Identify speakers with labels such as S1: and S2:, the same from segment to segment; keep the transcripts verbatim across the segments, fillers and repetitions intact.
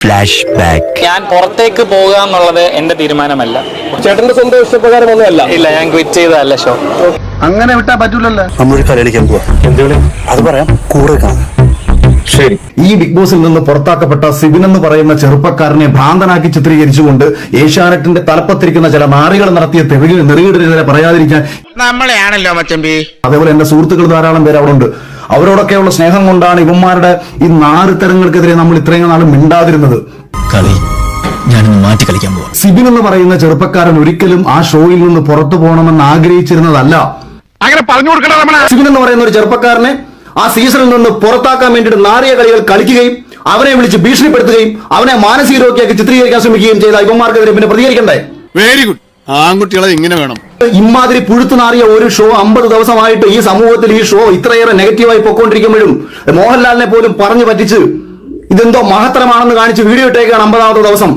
S1: Flash back.
S2: ഞാൻ പുറത്തേക്ക് പോകുക എന്നുള്ളത് എന്റെ തീരുമാനമല്ല.
S3: ചേട്ടന്റെ സ്വന്തം ഇഷ്ടപ്രകാരമൊന്നുമല്ല.
S2: ഇല്ല, ഞാൻ ക്വിറ്റ് ചെയ്തതല്ല ഷോ.
S3: അങ്ങനെ വിട്ടാ പറ്റൂലല്ലോ.
S1: നമ്മളൊരു കളിക്കാൻ പോവാ. എന്തുകളി? അത് പറയാം, കൂടെ കാണാം.
S3: ശരി. ഈ ബിഗ് ബോസിൽ നിന്ന് പുറത്താക്കപ്പെട്ട സിബിൻ എന്ന് പറയുന്ന ചെറുപ്പക്കാരനെ ഭ്രാന്തനാക്കി ചിത്രീകരിച്ചുകൊണ്ട് ഏഷ്യാനെറ്റിന്റെ തലപ്പത്തിരിക്കുന്ന ചില നാറികൾ നടത്തിയ നെറുകിടരെ പറയാതിരിക്കാൻ
S4: നമ്മളെയാണല്ലോ മച്ചമ്പി.
S3: അതേപോലെ എന്റെ സുഹൃത്തുക്കൾ ധാരാളം പേര് അവിടെ ഉണ്ട്. അവരോടൊക്കെയുള്ള സ്നേഹം കൊണ്ടാണ് ഇവന്മാരുടെ ഈ നാറുത്തരങ്ങൾക്കെതിരെ നമ്മൾ ഇത്രയും നാൾ മിണ്ടാതിരുന്നത്.
S1: കളി ഞാനിന്ന് മാറ്റി കളിക്കാൻ പോവാ.
S3: സിബിൻ എന്ന് പറയുന്ന ചെറുപ്പക്കാരൻ ഒരിക്കലും ആ ഷോയിൽ നിന്ന് പുറത്തു പോകണമെന്ന് ആഗ്രഹിച്ചിരുന്നതല്ല.
S4: അങ്ങനെ പറഞ്ഞു കൊടുക്കണം.
S3: സിബിൻ എന്ന് പറയുന്ന ഒരു ചെറുപ്പക്കാരനെ ആ സീസണിൽ നിന്ന് പുറത്താക്കാൻ വേണ്ടിയിട്ട് നാറിയ കളികൾ കളിക്കുകയും അവനെ വിളിച്ച് ഭീഷണിപ്പെടുത്തുകയും അവനെ മാനസിക രോഗിയാക്കി ചിത്രീകരിക്കാൻ ശ്രമിക്കുകയും ചെയ്ത ഇവന്മാർക്കെതിരെ പിന്നെ പ്രതികരിക്കണ്ടേ?
S4: Very good. ആൺകുട്ടികളെ ഇങ്ങനെ വേണം.
S3: ഇമാതിരി പുഴുത്തു നാറിയ ഒരു ഷോ അമ്പത് ദിവസമായിട്ട് ഈ സമൂഹത്തിൽ ഈ ഷോ ഇത്രയേറെ നെഗറ്റീവായി പൊക്കോണ്ടിരിക്കുമ്പോഴും മോഹൻലാലിനെ പോലും പറഞ്ഞു പറ്റിച്ച് ഇതെന്തോ മഹത്തരമാണെന്ന് കാണിച്ച് വീഡിയോ ഇട്ടേക്കാണ് അമ്പതാമത്തെ ദിവസം.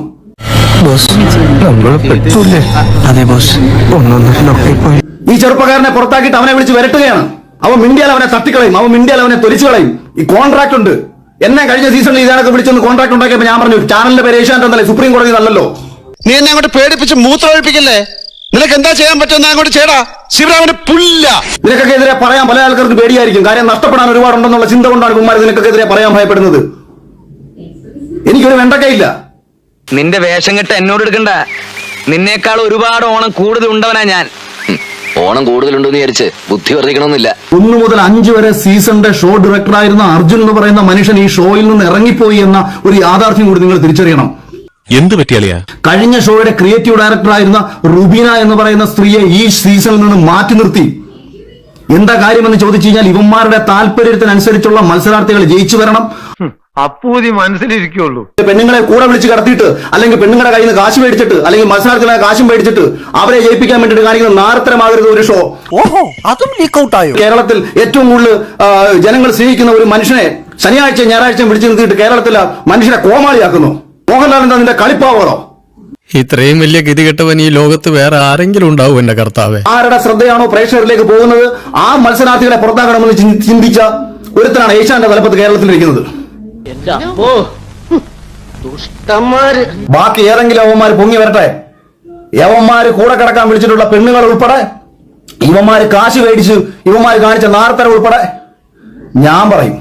S3: ഈ ചെറുപ്പക്കാരനെ പുറത്താക്കിയിട്ട് അവനെ വിളിച്ച് വരട്ടുകയാണ്. അവൻ മിണ്ടിയാൽ അവനെ തട്ടിക്കളയും, അവൻ മിണ്ടിയാൽ അവനെ തൊലിച്ചു കളയും. ഈ കോൺട്രാക്ട് ഉണ്ട്. എന്നെ കഴിഞ്ഞ സീസണിൽ ഇതാണൊക്കെ വിളിച്ചൊന്ന് കോൺട്രാക്ട് ഉണ്ടാക്കിയപ്പോൾ ഞാൻ പറഞ്ഞു ചാനലിന്റെ പേര് ഏഷ്യാനെറ്റ് എന്നല്ലേ, സുപ്രീം കോടതി നല്ലല്ലോ.
S4: നീ എന്നെ അങ്ങോട്ട് പേടിപ്പിച്ച് മൂത്രം ഒഴിപ്പിക്കല്ലേ? നിനക്ക് എന്താ ചെയ്യാൻ പറ്റുമെന്ന് അങ്ങോട്ട് ചെയ്യടാ. ശിവരാമന് പുല്ല.
S3: നിനക്കൊക്കെ എതിരെ പറയാൻ പല ആൾക്കാർക്ക് പേടിയായിരിക്കും. കാര്യം നഷ്ടപ്പെടാൻ ഒരുപാടുണ്ടെന്നുള്ള ചിന്ത കൊണ്ടാണ് കുമാർ നിനക്കൊക്കെ എതിരെ പറയാൻ ഭയപ്പെടുന്നത്. എനിക്കൊരു വെണ്ടക്കയില്ല.
S5: നിന്റെ വേഷം കെട്ട് എന്നോട് എടുക്കണ്ട. നിന്നേക്കാൾ ഒരുപാട് ഓണം കൂടുതൽ ഉണ്ടവനാ ഞാൻ. ഓണം കൂടുതലുണ്ടെന്ന് വിചാരിച്ച് ബുദ്ധി വർദ്ധിക്കണമെന്നില്ല.
S3: ഒന്നു മുതൽ അഞ്ചു വരെ സീസണിന്റെ ഷോ ഡയറക്ടറായിരുന്ന അർജുൻ എന്ന് പറയുന്ന മനുഷ്യൻ ഈ ഷോയിൽ നിന്ന് ഇറങ്ങിപ്പോയി എന്ന ഒരു യാഥാർത്ഥ്യം കൂടി നിങ്ങൾ തിരിച്ചറിയണം.
S6: എന്ത് പറ്റിയാളിയാ?
S3: കഴിഞ്ഞ ഷോയുടെ ക്രിയേറ്റീവ് ഡയറക്ടറായിരുന്ന റുബീന എന്ന് പറയുന്ന സ്ത്രീയെ ഈ സീസണിൽ നിന്ന് മാറ്റി നിർത്തി. എന്താ കാര്യമെന്ന് ചോദിച്ചു കഴിഞ്ഞാൽ ഇവന്മാരുടെ താല്പര്യത്തിനനുസരിച്ചുള്ള മത്സരാർത്ഥികൾ ജയിച്ചു വരണം.
S7: അപ്പൂതി മനസ്സിലിരിക്കുള്ളൂ.
S3: പെണ്ണുങ്ങളെ കൂടെ വിളിച്ച് കടത്തിയിട്ട് അല്ലെങ്കിൽ പെണ്ണുങ്ങളുടെ കയ്യിൽ നിന്ന് കാശ് മേടിച്ചിട്ട് അല്ലെങ്കിൽ മത്സരാർത്ഥികളെ കാശും മേടിച്ചിട്ട് അവരെ ജയിപ്പിക്കാൻ വേണ്ടിയിട്ട് കാണിക്കുന്ന നാരത്തരമാകരുത് ഒരു ഷോ.
S1: ഓഹോ, അതും ലീക്ക് ഔട്ട് ആയോ?
S3: കേരളത്തിൽ ഏറ്റവും കൂടുതൽ ജനങ്ങൾ സ്നേഹിക്കുന്ന ഒരു മനുഷ്യനെ ശനിയാഴ്ച ഞായറാഴ്ച വിളിച്ചു നിർത്തിയിട്ട് കേരളത്തിലെ മനുഷ്യനെ കോമാളിയാക്കുന്നു. മോഹൻലാൽ എന്താ നിന്റെ കളിപ്പാവോ?
S6: ഇത്രയും വലിയ ഗതികെട്ടവൻ ഈ ലോകത്ത് വേറെ ആരെങ്കിലും ഉണ്ടാവും എന്റെ കർത്താവേ?
S3: ആരുടെ ശ്രദ്ധയാണോ പ്രേക്ഷകരിലേക്ക് പോകുന്നത് ആ മത്സരാർത്ഥികളെ പുറത്താക്കണമെന്ന് ചിന്തിച്ച ഒരുത്തനാണ് ഏഷ്യാന്റെ തലപ്പത്ത് കേരളത്തിലിരിക്കുന്നത്. ബാക്കി ഏതെങ്കിലും അവന്മാര് പൊങ്ങി വരട്ടെ. യവന്മാര് കൂടെ കിടക്കാൻ വിളിച്ചിട്ടുള്ള പെണ്ണുങ്ങൾ ഉൾപ്പെടെ ഇവന്മാര് കാശ് മേടിച്ച് ഇവന്മാര് കാണിച്ച നാർത്തര ഉൾപ്പെടെ ഞാൻ പറയും.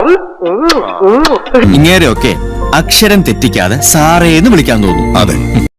S1: ഇങ്ങനെയൊക്കെ അക്ഷരം തെറ്റിക്കാതെ സാറേന്ന് വിളിക്കാൻ തോന്നും.
S6: അതെ.